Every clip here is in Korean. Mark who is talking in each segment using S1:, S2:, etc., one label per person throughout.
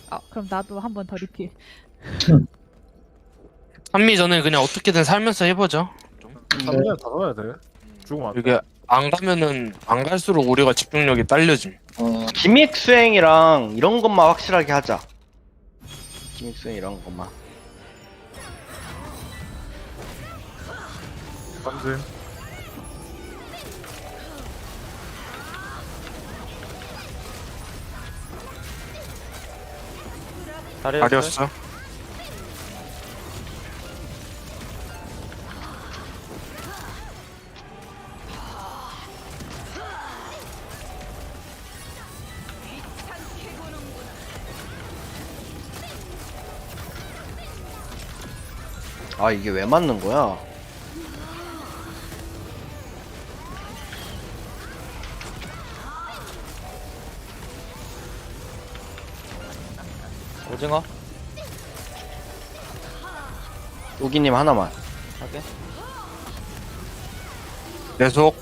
S1: 그럼 나도 한 번 더 리필.
S2: 한미 저는 그냥 어떻게든 살면서 해보죠.
S3: 잡으면 다 넣어야 돼. 죽으면 안 돼.
S2: 이게 안 가면은 안 갈수록 우리가 집중력이 딸려짐.
S4: 기믹 수행이랑 이런 것만 확실하게 하자. 기믹 수행 이런 것만.
S3: 던짐.
S2: 가렸어.
S4: 아 이게 왜 맞는 거야?
S5: 오징어
S4: 우기님 하나만.
S5: 하게.
S2: 계속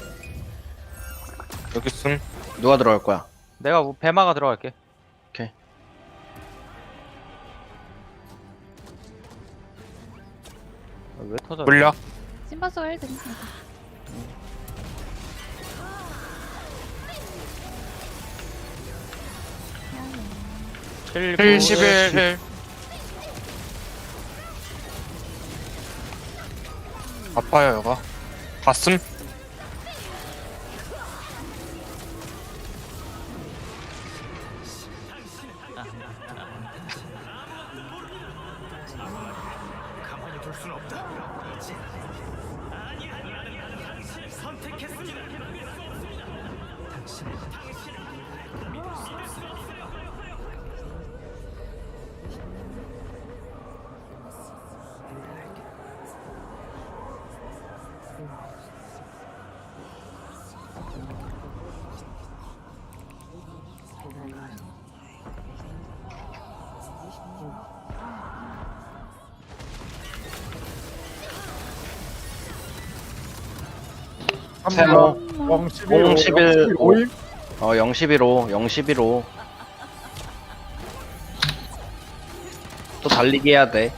S2: 여기 있음.
S4: 누가 들어갈 거야?
S5: 내가 배마가 들어갈게.
S4: 오케이.
S5: 왜 터져?
S2: 물려.
S1: 심바스가 1등.
S5: 칠,
S2: 1,
S5: 구,
S2: 11, 1. 아파요, 여가. 갔음.
S4: 세모.
S3: 0, 11,
S4: 0, 11,
S3: 5, 5임?
S4: 0, 11호, 0, 11호. 또 달리기 해야 돼.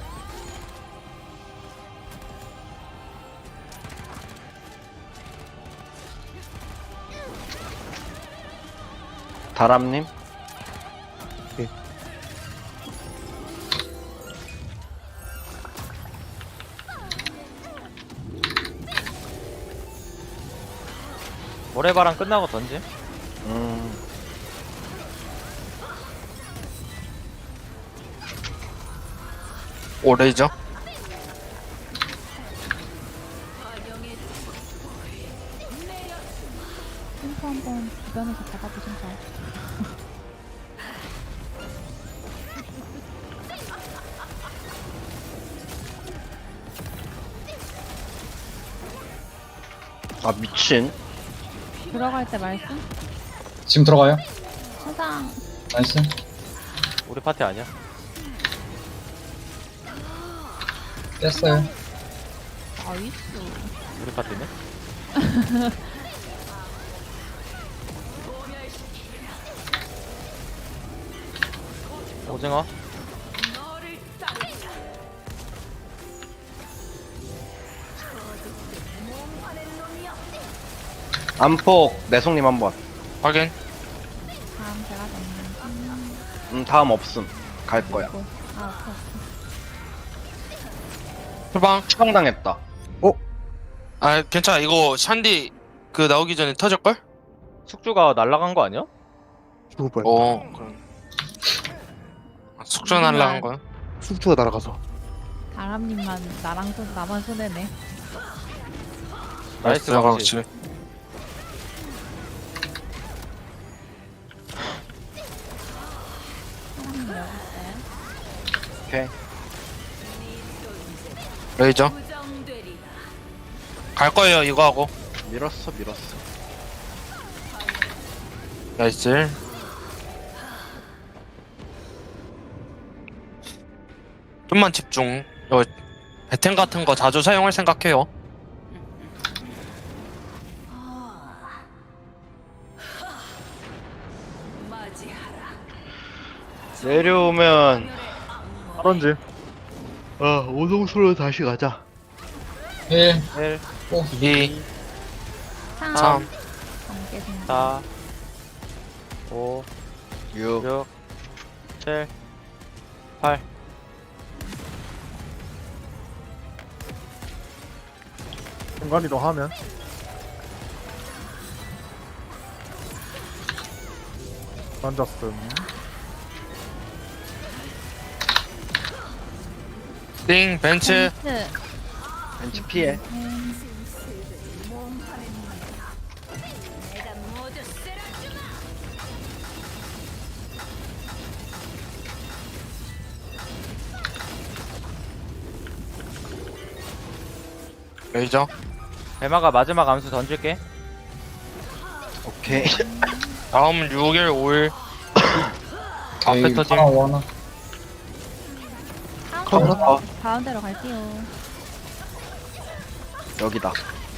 S4: 다람님?
S5: 모래바람 끝나고 던짐.
S2: 오래죠.
S1: 심포 한번 주변에서 잡아보신가요?
S4: 아 미친.
S1: 들어갈 때 말씀?
S6: 지금 들어가요?
S1: 세상
S6: 나이스.
S5: 우리 파티 아니야?
S6: 깼어요.
S1: 나이스.
S5: 우리 파티네? 오징어
S4: 안폭 내송님 한번.
S2: 확인.
S1: 다음 제가 잡는.
S4: 다음 없음. 갈 거야.
S1: 오케이.
S2: 후방.
S4: 추방당했다.
S2: 아, 괜찮아. 이거 샨디 그 나오기 전에 터질걸?
S5: 숙주가 날라간 거 아니야?
S3: 죽을 뻔했다.
S2: 그럼. 숙주 날라간 거야?
S3: 숙주가 날아가서.
S1: 다람님만 나만 손해네.
S5: 나이스
S2: 나가
S5: 방지.
S2: 그렇지.
S1: 다람님 여기 있어요.
S4: 오케이.
S2: 레이저. 갈 거예요, 이거 하고.
S4: 밀었어.
S2: 나이스. 좀만 집중. 이거 배템 같은 거 자주 사용할 생각해요.
S4: 내려오면
S3: 빠른지.
S4: 오동수로 다시 가자.
S6: 1,
S5: 1,
S2: 2,
S1: 3.
S2: 3,
S1: 넘겠습니다.
S5: 4, 5,
S4: 6
S5: 6, 7, 8.
S3: 순간이동 하면. 던졌음.
S2: 띵, 벤츠.
S1: 벤츠.
S4: 벤치 피해.
S2: 레이저.
S5: 배마가 마지막 암수 던질게.
S4: 오케이.
S2: 다음 6일, 5일. 앞에
S6: 오케이.
S2: 터짐.
S6: 하나, 하나.
S4: 카운터.
S1: 가운데로 갈게요.
S4: 여기다.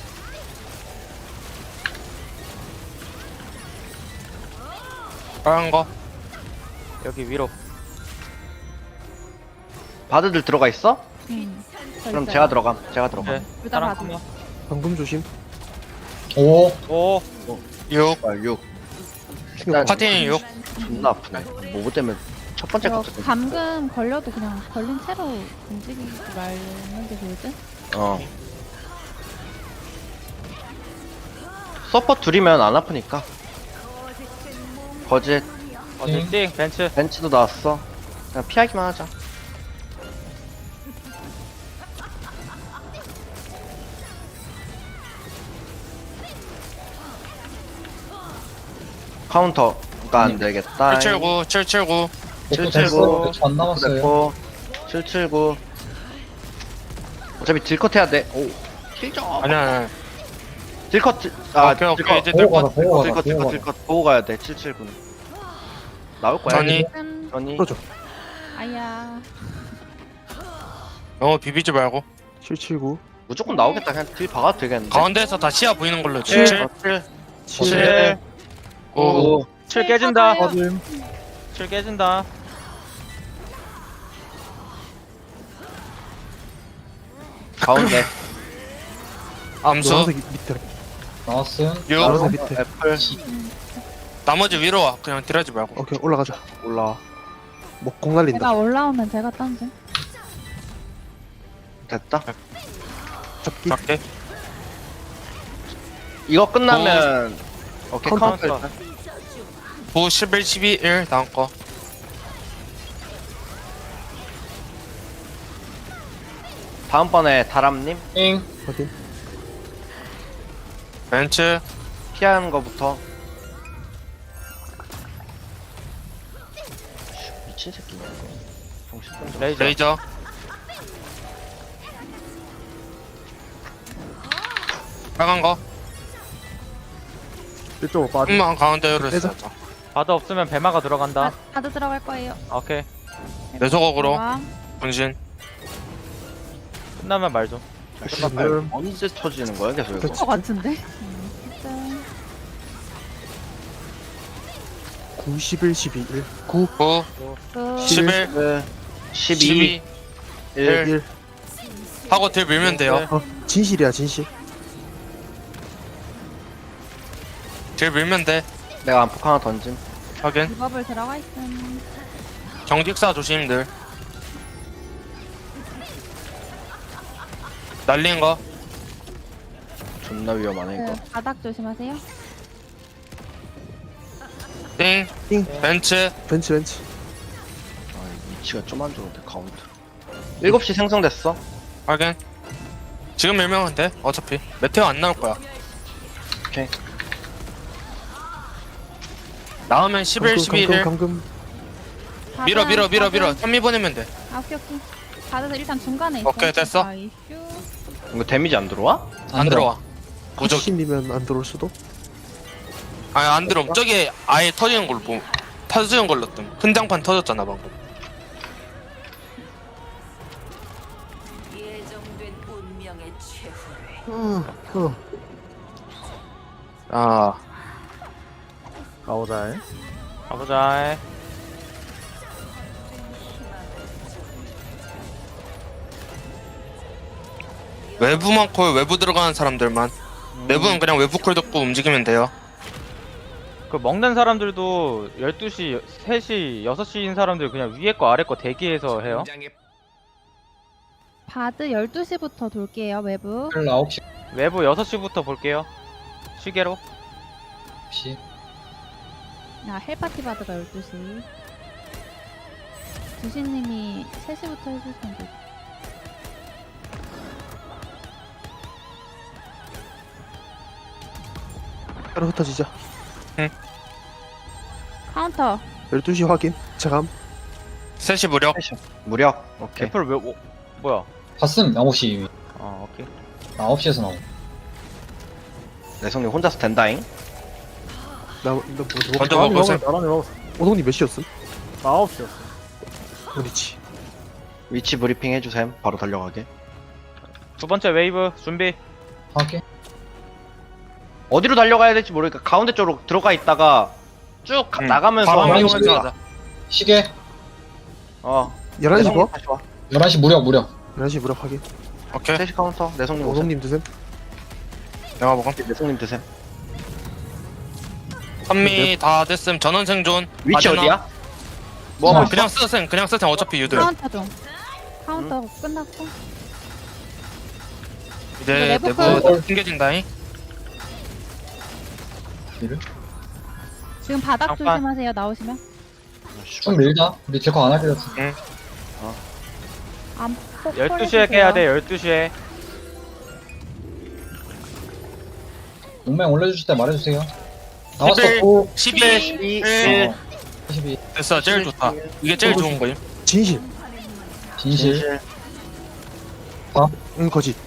S2: 빨간 거.
S5: 여기 위로.
S4: 바드들 들어가 있어?
S1: 저
S4: 그럼
S1: 있어요.
S4: 제가 들어감. 제가 들어감.
S5: 네.
S1: 둘다
S5: 사람
S1: 봐도.
S5: 한 명.
S3: 방금 조심.
S6: 5,
S5: 5,
S2: 6.
S4: 6.
S2: 파틴 6.
S4: 존나 아프네. 뭐뭐 때문에 첫 번째
S1: 이거
S4: 거
S1: 감금 걸려도 그냥 걸린 채로 움직이지 말는 게 좋을 듯?
S4: 서퍼 둘이면 안 아프니까. 거짓.
S5: 어디 띵, 벤츠.
S4: 벤치도 나왔어. 그냥 피하기만 하자. 카운터가 안 되겠다.
S2: 779, 779.
S6: 복구 됐어. 몇초 안 남았어요.
S4: 됐고 779. 어차피 딜컷 해야 돼. 오. 킬점.
S2: 아니야.
S4: 딜컷.
S2: 오케이, 오케이. 이제
S6: 보고 가자,
S2: 들
S6: 보고 가자, 보고
S4: 딜컷
S6: 가자.
S4: 딜컷 보고 가야 돼. 779는. 나올 거야.
S2: 전이.
S4: 전이.
S3: 풀어줘.
S1: 아야.
S2: 너무 비비지 말고.
S3: 779.
S4: 무조건 나오겠다. 그냥 딜 박아도 되겠는데.
S2: 가운데에서 다 시야 보이는 걸로.
S5: 7.
S2: 7,
S3: 7.
S5: 7,
S2: 9.
S5: 7 깨진다.
S3: 빠짐.
S5: 7 깨진다.
S4: 가운데.
S2: 암수.
S3: 노란색 밑에.
S6: 나왔음.
S2: 6.
S3: 노란색 밑에.
S4: 애플.
S2: 나머지 위로 와. 그냥 딜하지 말고.
S3: 오케이, 올라가자.
S4: 올라와.
S3: 목공 날린다.
S1: 제가 올라오면 제가 던짐.
S4: 됐다.
S3: 잡기.
S2: 작게.
S4: 이거 끝나면 오케이
S3: 카운터.
S4: 카운터.
S2: 9, 11, 12, 1. 다음 거.
S4: 다음번에 다람님
S6: 띵.
S3: 확인.
S2: 벤츠.
S4: 피하는 거부터. 미친 새끼네 이거. 정신 좀.
S5: 레이저.
S2: 레이저. 빨간 거.
S3: 이쪽으로 빠짐.
S2: 한번 가운데로
S3: 빼자.
S2: 했어.
S5: 바드 없으면 배마가 들어간다.
S1: 다들 들어갈 거예요.
S5: 오케이.
S2: 내 소각으로.
S1: 들어와.
S2: 분신.
S5: 끝나면 말 좀.
S3: 지금
S4: 언제 터지는 거야 계속 이거.
S1: 것 같은데?
S3: 9, 11, 12, 1. 9,
S2: 9,
S1: 그
S2: 11,
S4: 12
S2: 12.
S4: 1
S3: 1.
S2: 하고 딜 밀면 돼요.
S3: 진실이야, 진실.
S2: 딜 밀면 돼.
S4: 내가 안폭 하나 던짐.
S2: 확인.
S1: 리버블 들어가 있음.
S2: 경직사 조심들. 날린 거.
S4: 존나 위험하네 이거.
S1: 그 바닥 조심하세요.
S2: 띵.
S3: 띵.
S2: 벤츠.
S3: 벤치, 벤치.
S4: 아 위치가 좀 안 좋은데 카운트. 7시 생성됐어.
S2: 확인. 지금 밀면 돼. 어차피 메테오 안 나올 거야.
S4: 오케이.
S2: 나오면 11, 11을
S3: 감금.
S2: 밀어 밀어 밀어 밀어.
S1: 바닥.
S2: 3미 보내면 돼.
S1: 아, 오케이, 오케이. 바닥은 일단 중간에 있어.
S2: 오케이, 됐어.
S1: 아이슈.
S4: 이거 데미지 안 들어와?
S2: 안 들어와. 무적.
S3: 80이면 안 들어올 수도?
S2: 아니 안 들어. 저기 아예 터지는 걸로 보. 터지는 걸로 뜸. 큰 장판 터졌잖아 방금.
S7: 예정된 운명의 최후를
S2: 아.
S3: 가보자.
S5: 가보자.
S2: 외부만 콜, 외부 들어가는 사람들만. 내부는 그냥 외부 콜 듣고 움직이면 돼요.
S5: 그 먹는 사람들도 12시, 3시, 6시인 사람들 그냥 위에 거 아래 거 대기해서 해요.
S1: 바드 12시부터 돌게요, 외부.
S6: 9시.
S5: 외부 6시부터 볼게요. 시계로.
S1: 아, 헬파티 바드가 12시. 두신님이 3시부터 해주시면 돼요.
S3: 따로 흩어지자.
S1: 카운터.
S3: 12시 확인. 체감.
S2: 3시 무력.
S4: 무력. 오케이.
S5: 애플 왜, 뭐야?
S6: 봤음 9시 이미.
S5: 오케이.
S6: 9시에서 나오.
S4: 내성님 혼자서 된다잉.
S2: 먼저 먹으세요.
S3: 오동님 몇 시였음?
S8: 9시였어.
S3: 그렇지.
S4: 위치 브리핑 해주셈. 바로 달려가게.
S5: 두 번째 웨이브 준비.
S6: 확인.
S4: 어디로 달려가야 될지 모르니까 가운데 쪽으로 들어가 있다가 쭉 나가면서
S2: 바로
S6: 하면
S2: 이동해서 하자.
S6: 시계.
S3: 11시
S4: 내성님
S3: 뭐?
S4: 다시 와.
S6: 11시 무력.
S3: 11시 무력 확인.
S2: 오케이.
S4: 3시 카운터. 내성님 오셈.
S3: 오동님 드셈.
S2: 내가 먹음.
S4: 내성님 드셈.
S2: 선미 다 됐음. 전원 생존.
S4: 위치
S2: 바지나.
S4: 어디야? 뭐 하고 있어?
S2: 그냥 쓰셈. 어차피 유들.
S1: 카운터 중. 카운터 끝났고.
S2: 이제
S1: 내부
S2: 내부
S6: 콜.
S2: 튕겨진다잉.
S1: 지금 바닥
S5: 잠깐.
S1: 조심하세요, 나오시면.
S6: 좀 밀자. 우리 딜컷 안 하기로 했어.
S1: 안
S5: 12시에 깨야 돼, 12시에.
S6: 용맹 올려주실 때 말해주세요. 나왔어.
S2: 11.
S6: 9,
S2: 12.
S4: 12,
S2: 1.
S6: 12.
S2: 됐어. 제일 좋다. 이게 제일 좋은 거임.
S3: 진실.
S6: 진실.
S3: 응, 거짓.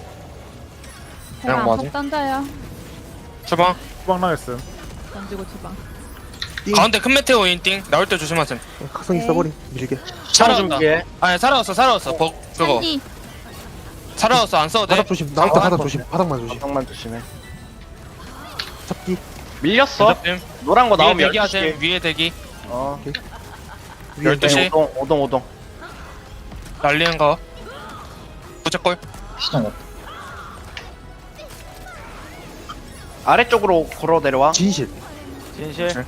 S1: 제가
S2: 그냥
S1: 안폭 던져요.
S2: 주방.
S8: 후방 나겠음.
S1: 던지고 주방.
S2: 가운데 큰 메테오인 띵. 나올 때 조심하셈.
S3: 각성기
S1: 네.
S3: 써버린. 밀게.
S2: 살아왔다.
S4: 준비해.
S2: 아니 살아왔어. 그거.
S1: 한디.
S2: 살아왔어. 안 써도 돼.
S3: 바닥 조심. 나올 때 바닥 조심. 바닥만 조심.
S4: 바닥만 조심해.
S3: 잡기.
S4: 밀렸어.
S2: 대답됨.
S4: 노란 거
S2: 위에
S4: 나오면
S2: 대기
S4: 12시.
S2: 하셈. 위에 대기.
S3: 위에
S2: 12시.
S4: 오동.
S2: 날리는 거. 부채꼴.
S6: 시장 같다.
S4: 아래쪽으로 걸어 내려와.
S3: 진실.
S5: 진실.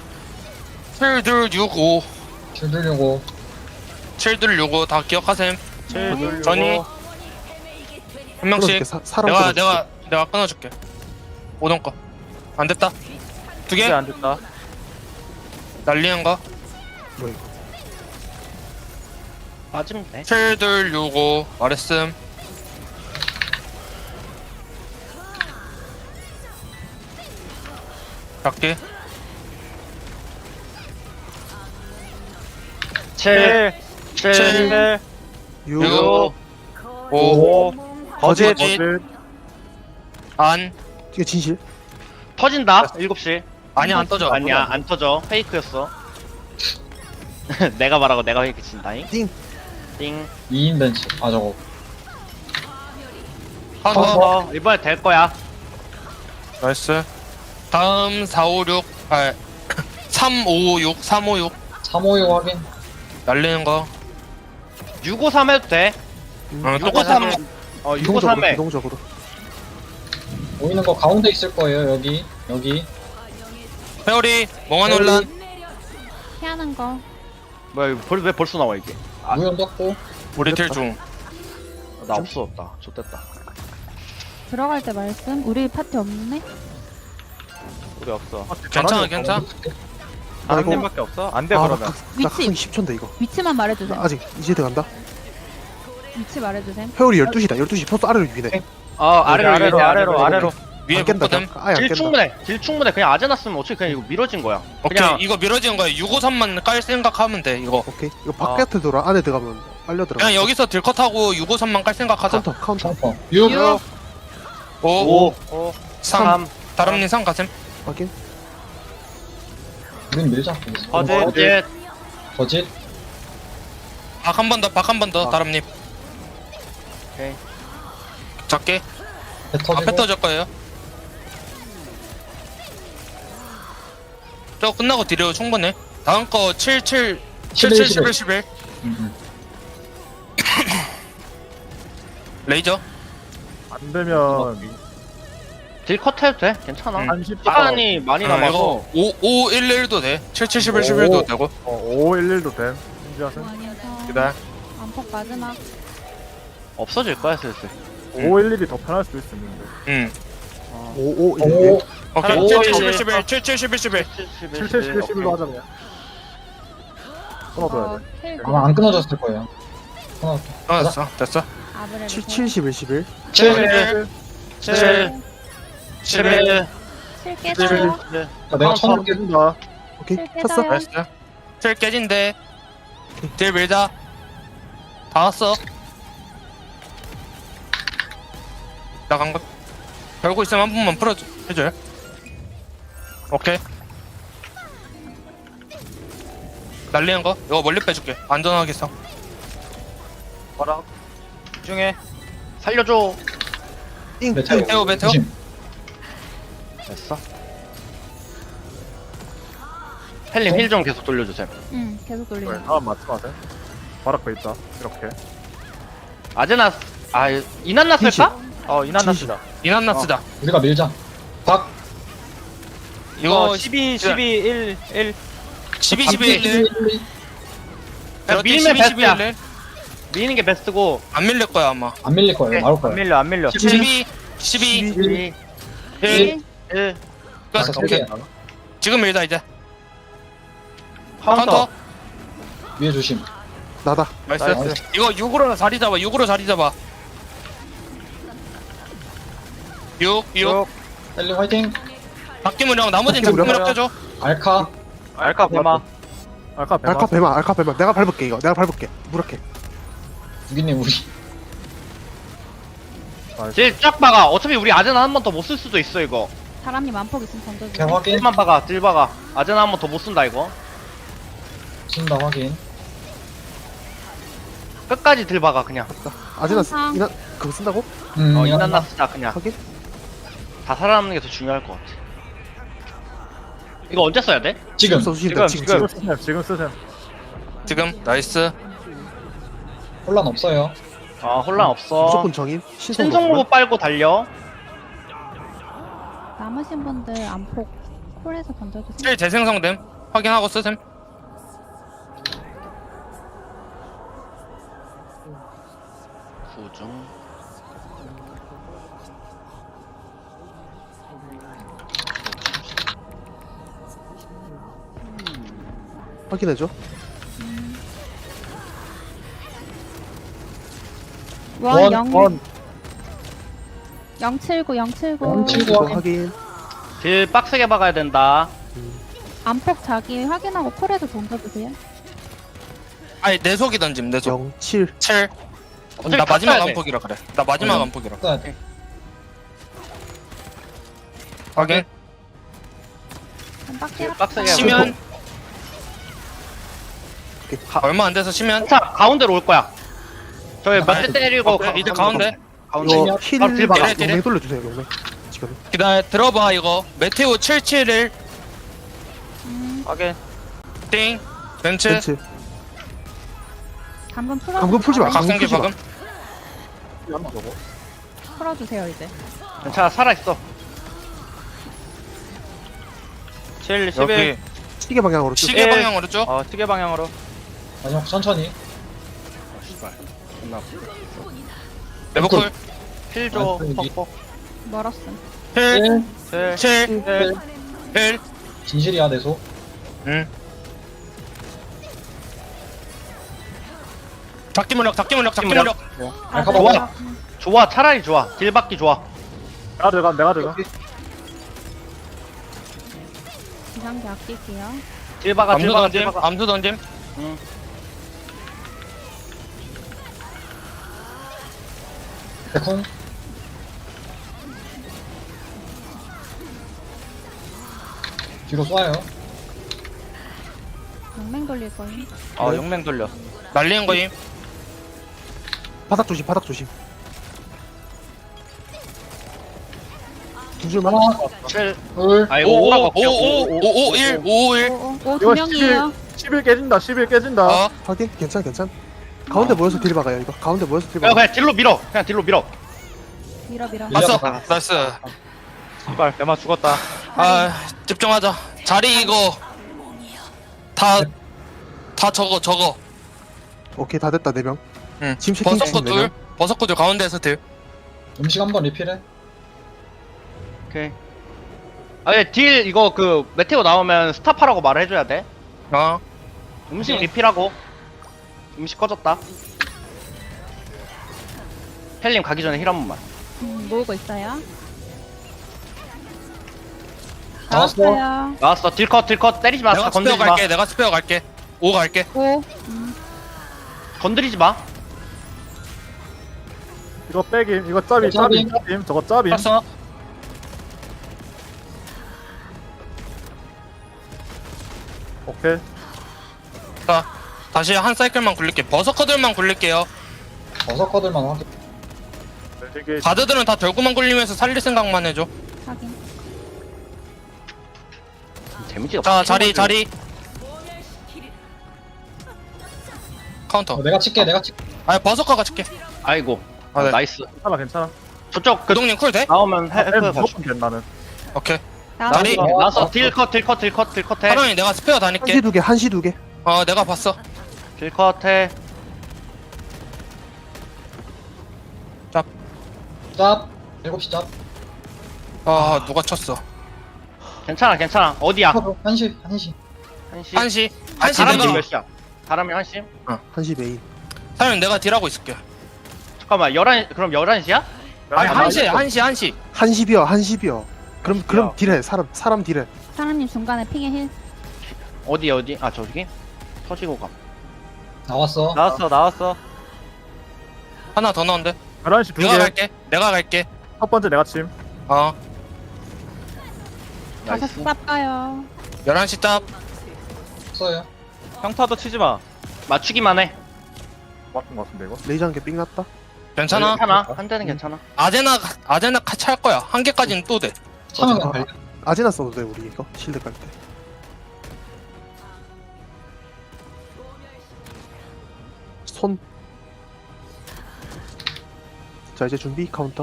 S2: 7둘65.
S6: 킬 들려고.
S2: 7둘65 다 기억하셈.
S5: 7, 둘,
S2: 전이.
S5: 요거.
S2: 한 명씩.
S3: 끊어줄게. 사람
S2: 내가 끊어줄게. 오동 거. 안 됐다. 두 개.
S5: 이게 안 됐다.
S2: 날리는 거.
S3: 뭐 이거.
S4: 빠지면 돼.
S2: 7둘65 말했음. 작게.
S4: 7,
S2: 7,
S5: 7,
S3: 6.
S2: 6, 5,
S5: 5,
S2: 거짓,
S5: 거짓.
S2: 안.
S3: 이게 진실.
S4: 터진다. 7시.
S2: 아니 안 떠져.
S4: 아니야, 안 터져. 페이크였어. 내가 말하고 내가 페이크 친다잉.
S3: 띵.
S4: 띵.
S6: 2인 벤치. 아 저거.
S2: 카운터.
S4: 이번에 될 거야.
S2: 나이스. 다음 456. 356. 356.
S6: 356 확인.
S2: 날리는 거.
S4: 653 해도 돼.
S2: 똑같은
S4: 653.
S2: 거.
S4: 653에.
S3: 유동적으로.
S6: 보이는 거 가운데 있을 거예요. 여기.
S2: 회오리. 멍한 혼란.
S1: 피하는 거.
S4: 뭐야, 이거 왜 벌써 나와, 이게?
S6: 무연 떴고.
S2: 우리 딜 중.
S4: 나 없어졌다. 좋됐다.
S1: 들어갈 때 말씀. 우리 파티 없네?
S5: 우리 없어.
S2: 괜찮아.
S5: 한
S3: 이거-
S5: 팀밖에 없어? 안 돼,
S3: 아,
S5: 그러면.
S3: 나
S1: 위치.
S3: 각성기 10초인데 이거.
S1: 위치만 말해주세요.
S3: 나 아직 이제 들어간다.
S1: 위치 말해주세요.
S3: 회오리 12시다. 12시 포스 아래로 유인해.
S5: 아래로.
S2: 위에
S3: 안 깬다.
S2: 붙거든.
S3: 그냥. 아예 안
S4: 딜
S3: 깬다.
S4: 충분해. 딜 충분해. 그냥 아재 났으면 어차피 그냥 이거 미뤄진 거야.
S2: 오케이.
S4: 그냥
S2: 이거 미뤄지는 거야. 653만 깔 생각하면 돼. 이거.
S3: 오케이. 이거 바깥에 돌아. 안에 들어가면 빨려 들어가.
S2: 그냥 여기서 딜컷하고 653만 깔 생각하자.
S3: 카운터.
S6: 카운터. 6.
S2: 5,
S4: 5,
S2: 3. 다람님 3 가셈.
S3: 확인.
S6: 우린 밀자.
S5: 거짓.
S4: 어제
S6: 거짓.
S2: 박 한 번 더. 다람님.
S4: 오케이.
S2: 작게.
S6: 배 터지고.
S2: 앞에 떠질 거예요. 저 끝나고 딜해요. 충분해. 다음 거 7, 7, 7, 7, 11, 11.
S6: 음.
S2: 레이저.
S8: 안 되면
S4: 딜컷 해도 돼. 괜찮아.
S2: 음.
S8: 한 10초.
S4: 시간이 많이 남아서.
S2: 이거 5511도 돼. 77, 11도 되고.
S8: 511도 됨. 준비하세요.
S1: 원에서
S2: 기다려.
S1: 안폭 마지막.
S4: 없어질 거야 슬슬.
S8: 511이 더 편할 수도 있는데.
S2: 응.
S3: 5511.
S2: 오케이.
S4: 오,
S2: 77,
S4: 오,
S2: 11, 77, 11.
S8: 77, 11로 하자 그냥. 끊어둬야 돼.
S1: 힐
S6: 아마 안 끊어졌을 거예요. 하나,
S2: 됐어. 됐어.
S1: 아브렐
S3: 70, 11.
S4: 7 7 11
S1: 7 깨져요.
S6: 내가 처음 깨
S3: 깨진다. 오케이.
S1: 칠
S3: 쳤어?
S1: 깨져요.
S2: 나이스. 틀 깨진대. 딜 밀자. 다 왔어. 나간 거. 별거 있으면 한 번만 풀어줘. 해줘요. 오케이. 날리는 거? 이거 멀리 빼줄게. 안전하게 써.
S5: 봐라. 집중해.
S4: 살려줘.
S3: 띵.
S6: 메테오.
S2: 메테오, 메테오.
S6: 조심.
S4: 됐어. 헬림 힐 좀 계속 돌려주세요.
S1: 응, 계속
S8: 네,
S1: 돌리면.
S8: 다음 맞춤하세요. 바로 앞에 있다. 이렇게.
S4: 아제나 이난나 쓸까?
S5: 이난나스다.
S2: 이난나 쓰자.
S6: 우리가 밀자. 박.
S2: 이거
S5: 12, 12, 1, 1.
S2: 12, 12, 1.
S4: 야, 밀면 베스트야.
S2: 1.
S4: 미는 게 베스트고.
S2: 안 밀릴 거야, 아마.
S6: 안 밀릴 거예요. 나올
S5: 안
S6: 거예요.
S5: 밀려, 안 밀려.
S2: 12, 12,
S4: 12
S2: 1.
S4: 1
S2: 끝.
S6: 알았어,
S2: 오케이.
S6: 오케이.
S2: 지금 밀자, 이제.
S4: 카운터.
S2: 카운터.
S6: 위에 조심.
S3: 나다.
S2: 나이스.
S6: 나이스.
S2: 이거 6으로 자리 잡아, 6으로 자리 잡아. 6.
S6: 헬리 화이팅.
S2: 박기문형, 나머지는
S3: 박기문형.
S2: 박기문형 껴줘.
S6: 알카.
S5: 알카 배마.
S8: 알카 배마.
S3: 알카 배마, 알카 배마. 내가 밟을게 이거. 내가 밟을게. 무력해.
S6: 유기님 우리.
S4: 딜 쫙 박아. 어차피 우리 아제나 한 번 더 못 쓸 수도 있어 이거.
S1: 사람님 안폭 있으면 던져주세요.
S6: 개 확인.
S4: 딜만 박아. 딜 박아. 아제나 한 번 더 못 쓴다 이거.
S6: 쓴다 확인.
S4: 끝까지 딜 박아 그냥.
S3: 아지나
S1: 항상.
S3: 이나 그거 쓴다고?
S4: 이난나 쓰자 그냥.
S3: 확인?
S4: 다 살아남는 게 더 중요할 것 같아. 이거 언제 써야 돼?
S6: 지금.
S3: 써주신다.
S5: 지금,
S3: 지금.
S8: 지금 쓰세요.
S2: 지금, 나이스.
S6: 혼란 없어요.
S4: 아 혼란 없어.
S3: 무조건 정인.
S4: 신성 로봇 빨고 달려.
S1: 남으신 분들 안폭 콜에서 던져주세요.
S2: 실 재생성됨. 확인하고 쓰셈.
S4: 구중.
S3: 확인해줘.
S1: 원, 0,
S8: 원.
S1: 079, 079.
S6: 079.
S3: 이거 확인.
S4: 딜 빡세게 박아야 된다.
S1: 안폭 자기 확인하고 콜에서 던져주세요.
S2: 아니, 내 속이 던짐, 내 속.
S3: 07.
S2: 7.
S4: 어차피
S2: 나
S4: 다
S2: 마지막
S4: 써야 돼.
S2: 안폭이라 그래. 나 마지막
S6: 어.
S2: 안폭이라.
S6: 써야 돼.
S2: 확인.
S1: 한 바퀴
S4: 딜 빡세게
S2: 시면. 얼마 안 돼서 시면.
S4: 자 가운데로 올 거야. 저기 몇 대 때리고
S2: 오케이, 이제 가운데.
S3: 이거
S6: 힐
S3: 힐
S4: 딜 박아.
S3: 용맹 돌려주세요. 용맹. 지금.
S2: 기다려, 들어봐, 이거. 메테오 77을.
S5: 확인.
S2: 띵. 벤츠.
S3: 벤츠.
S1: 감금 풀어.
S3: 감금 풀지 마.
S2: 각성기
S3: 풀지 마.
S2: 박음.
S8: 한번 저거.
S1: 풀어주세요 이제.
S4: 괜찮아 살아있어.
S5: 7, 11.
S2: 여기.
S3: 시계 방향으로 쭉.
S2: 시계 방향으로 쭉.
S5: 시계 방향으로.
S6: 마지막 천천히.
S2: 레버콜.
S4: 힐줘
S6: 아,
S4: 퍽퍽.
S1: 멀었음.
S2: 1.
S5: 7,
S2: 7. 1.
S6: 진실이야 내 소.
S2: 응. 작기문력, 작기문력, 작기문력.
S6: 알카
S4: 좋아.
S6: 봐봐.
S4: 좋아 차라리 좋아. 딜 받기 좋아.
S8: 내가 들어가.
S1: 기상기 아낄게요.
S4: 딜 박아 딜
S2: 암수
S4: 박아 딜
S2: 던짐,
S4: 박아.
S2: 암수 던짐.
S6: 백훈. 뒤로 쏴요.
S1: 용맹 돌릴 거임.
S5: 용맹 돌려.
S2: 날리는 거임.
S3: 바닥 조심. 바닥 조심. 두 줄만.
S6: 하나,
S4: 7.
S6: 둘.
S4: 아이고
S2: 5,
S4: 오라고
S2: 5, 5, 5, 5, 1, 5, 1.
S1: 오, 두
S8: 이거
S1: 명이에요.
S8: 11 깨진다. 11 깨진다.
S2: 어,
S3: 확인. 괜찮. 가운데 모여서 딜 박아요. 이거. 가운데 모여서 딜
S4: 야
S3: 박아.
S4: 그냥 딜로 밀어. 그냥 딜로 밀어.
S1: 밀어 밀어.
S2: 왔어.
S6: 밀려가.
S2: 나이스.
S5: 씨발 내마 죽었다.
S2: 아 집중하자. 자리 이거 다 저거.
S3: 오케이 다 됐다 4명.
S2: 응.
S3: 지금 채팅
S2: 버섯코
S3: 치신
S2: 둘. 버섯코 둘 가운데에서 들.
S6: 음식 한번 리필해.
S4: 오케이. 딜 이거 그 메테오 나오면 스탑하라고 말을 해줘야 돼.
S2: 어.
S4: 음식
S6: 네.
S4: 리필하고. 음식 꺼졌다. 헬림 가기 전에 힐 한 번만.
S1: 모으고 있어요.
S6: 나왔어.
S1: 나왔어요.
S4: 나왔어. 딜컷 때리지 마.
S2: 내가 스페어
S4: 건드리지 마.
S2: 갈게. 내가 스페어 갈게. 5 갈게.
S1: 오.
S4: 건드리지 마.
S8: 이거 빼김. 이거 짜빔.
S6: 짜빔.
S8: 짜빔. 저거 짜빔.
S2: 봤어?
S8: 오케이.
S2: 자 다시 한 사이클만 굴릴게. 버섯커들만 굴릴게요.
S6: 버섯커들만 확인.
S8: 되게
S2: 가드들은 다 결구만 굴리면서 살릴 생각만 해줘.
S1: 확인.
S4: 데미지가
S2: 자
S4: 빡치는
S2: 자리
S4: 거지.
S2: 카운터.
S6: 내가 칠게.
S2: 아 버섯커가 칠게.
S4: 아이고.
S2: 아, 네.
S4: 나이스.
S8: 괜찮아.
S4: 저쪽 그
S2: 구동님 쿨 돼?
S4: 나오면
S8: 엠
S4: 헬프
S8: 무조건 돼 나는.
S2: 오케이.
S1: 나왔어.
S2: 자리.
S4: 나왔어. 딜컷 해.
S2: 하랑이 내가 스페어 다닐게.
S3: 한시 2개 한시 2개.
S2: 어 내가 봤어.
S4: 딜컷 해.
S6: 짭. 7시 짭.
S2: 아 누가 쳤어.
S4: 괜찮아. 어디야?
S6: 한시.
S4: 한시.
S2: 한시
S4: 다람쥐
S2: 내가
S4: 몇 시야? 다람쥐 한시?
S3: 한시 메인.
S2: 사장님 내가 딜하고 있을게.
S4: 잠깐만 11 그럼 11시야?
S2: 아니 한시.
S3: 한시 비어 한시 비어. 그럼 딜해 사람 딜해.
S1: 사람님 중간에 핑에 힐.
S4: 어디? 아 저기? 터지고 감.
S6: 나왔어.
S5: 나왔어.
S2: 하나 더 넣은데.
S8: 11시
S2: 내가 갈게.
S8: 첫 번째 내가 침.
S2: 어
S1: 가서
S4: 나이스.
S1: 쌉 가요.
S2: 11시 짭.
S6: 없어요.
S5: 평타도 치지 마.
S4: 맞추기만 해.
S8: 맞은 거 같은데 이거.
S3: 레이저 한 개 삥 났다.
S2: 괜찮아.
S4: 한 대는 괜찮아.
S2: 아제나 같이 할 거야. 한 개까지는 또 돼.
S6: 차면 그냥 갈게.
S3: 아제나 써도 돼 우리 이거 실드 깔 때. 손. 자 이제 준비 카운터.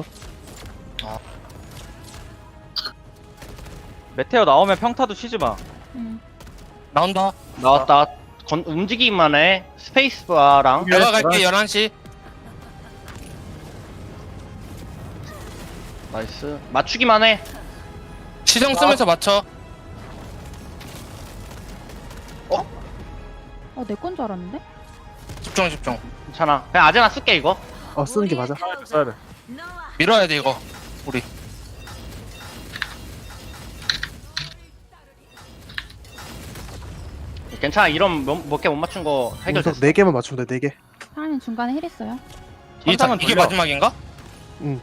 S5: 메테오 나오면 평타도 치지 마.
S2: 나온다.
S4: 나왔다. 움직이기만 해. 스페이스바랑
S2: 내가 갈게 11시.
S4: 나이스. 맞추기만 해.
S2: 시정 쓰면서 맞춰.
S1: 내 건 줄 알았는데?
S2: 집중.
S4: 괜찮아. 그냥 아제나 쓸게 이거.
S3: 쓰는 게 맞아.
S8: 써야 돼.
S2: 밀어야 돼 이거. 우리.
S4: 괜찮아. 이런 몇 개 못 맞춘 거 해결됐어.
S3: 4개만 맞추면 돼 4개.
S1: 사람님 중간에 힐 있어요.
S5: 천상은
S2: 이게
S5: 돌려.
S2: 마지막인가?
S3: 응.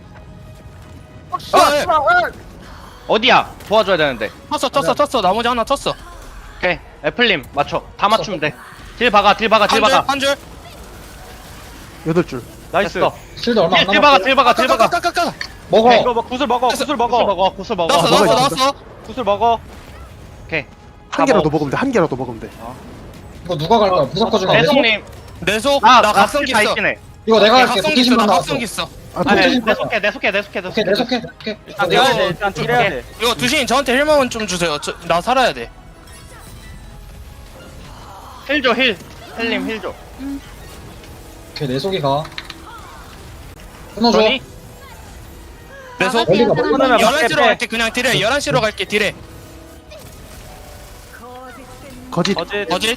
S4: 어디야? 도와줘야 되는데.
S2: 쳤어. 나머지 하나 쳤어.
S4: 오케이. 애플님 맞춰. 다 맞추면 돼. 딜 박아.
S2: 한 줄.
S3: 8줄.
S5: 나이스.
S4: 됐어.
S6: 실드 얼마 안
S4: 딜
S6: 남았어.
S4: 박아.
S2: 까까까까까.
S6: 먹어.
S5: 이거 구슬 먹어.
S4: 구슬 먹어.
S2: 나왔어.
S5: 구슬 먹어.
S4: 오케이.
S3: 한 개라도 먹으면 돼. 한 개라도 먹으면 돼.
S6: 이거 누가 갈 거야? 무조건 중에.
S4: 내송님.
S2: 내속.
S4: 나
S2: 나 각성기
S4: 다
S2: 있어.
S4: 있긴 해.
S6: 이거 내가 할게.
S2: 각성기 있어.
S6: 도끼신만
S2: 나
S6: 나왔어.
S2: 각성기 있어.
S4: 아니,
S6: 도끼신
S4: 내 속해.
S6: 오케이, 내 속해. 오케이.
S5: 아,
S2: 내가
S5: 내가 일단 딜해야 돼.
S2: 이거 두신 저한테 힐만 좀 주세요. 나 살아야 돼.
S4: 힐 줘. 힐님 힐 줘.
S6: 오케이, 내 속이 가. 끊어줘.
S4: 그러니?
S2: 내속.
S6: 멀리가
S5: 끊으면
S2: 11시로
S5: 빼.
S2: 갈게. 그냥 딜해. 11시로 갈게. 딜해.
S3: 거짓.
S2: 어지?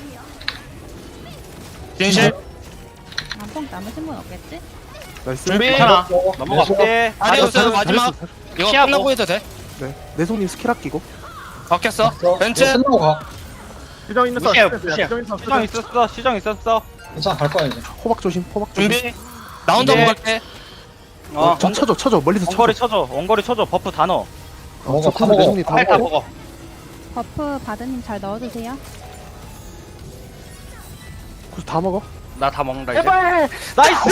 S2: 진실.
S1: 안뽕 남으신 분 없겠지?
S3: 나이스.
S2: 준비.
S4: 괜찮아.
S6: 먹어.
S4: 넘어가.
S6: 내 속.
S5: 네.
S2: 아디오스 마지막. 이거
S4: 피하고.
S2: 끝나고 해도 돼.
S3: 네. 내손님 스킬 아끼고.
S2: 바뀌었어. 벤츠.
S6: 이거 끝나고 가.
S8: 시정 있는
S4: 무시해,
S8: 사람.
S4: 무시해.
S8: 시정 있는 사람.
S5: 시정 있었어. 시정 있었어.
S6: 괜찮아, 갈 거야, 이제.
S3: 호박 조심.
S2: 준비. 나 혼자
S5: 네.
S2: 먹을게.
S3: 저 쳐줘. 멀리서 쳐줘.
S5: 원거리 쳐줘. 버프 다 넣어.
S6: 먹어, 다
S3: 저
S6: 먹어.
S3: 내손님 다
S4: 빨리 다
S3: 먹어.
S4: 먹어.
S1: 버프 바드님 잘 넣어주세요.
S3: 그래서 다 먹어.
S4: 나 다 먹는다 이제.
S5: 나이스!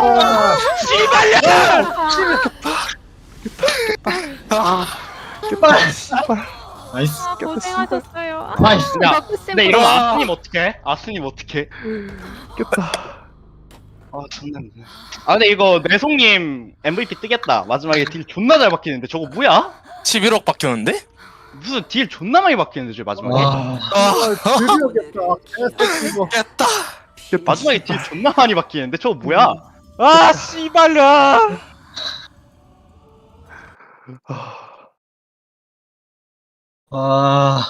S3: 깼다. 씨발.
S6: 나이스.
S1: 고생하셨어요.
S6: 나이스.
S4: 야,
S1: 버프 쌤
S4: 근데 이러면
S2: 아.
S4: 아스님 어떡해? 아스님 어떡해?
S3: 깼다.
S4: 존나 힘드네. 근데 이거 내송님 MVP 뜨겠다. 마지막에 딜 존나 잘 박히는데 저거 뭐야?
S2: 11억 박혔는데?
S4: 무슨 딜 존나 많이 박히는데 저 마지막에.
S6: 와,
S8: 드디어 겠다.
S2: 깼다.
S4: 마지막에 딜 존나 많이 박히는데 저거 뭐야?
S5: 아 씨발야.
S6: 와,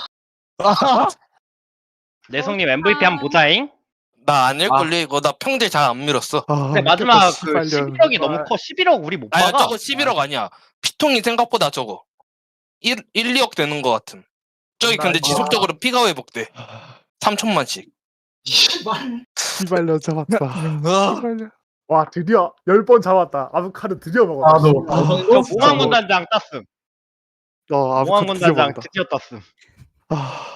S4: 내송님 MVP 한번 보자잉.
S2: 나 아닐걸요 이거. 나 평딜 잘 안 밀었어.
S4: 근데 마지막 그 11억이 너무 커. 11억 우리 못
S2: 아니
S4: 박아.
S2: 저거 11억 아니야. 피통이 생각보다 적어. 1, 2억 되는 것 같음. 저기 근데 지속적으로 피가 회복돼. 3천만씩.
S6: 씨발.
S3: 씨발려 잡았다. 씨발려.
S8: 와 드디어 10번 잡았다. 아보카도 드디어 먹었다.
S6: 나도.
S4: 저 몽환군단장 땄음.
S3: 아보카도
S4: 몽환군단장
S3: 드디어
S4: 드디어 땄음.
S3: 먹었다.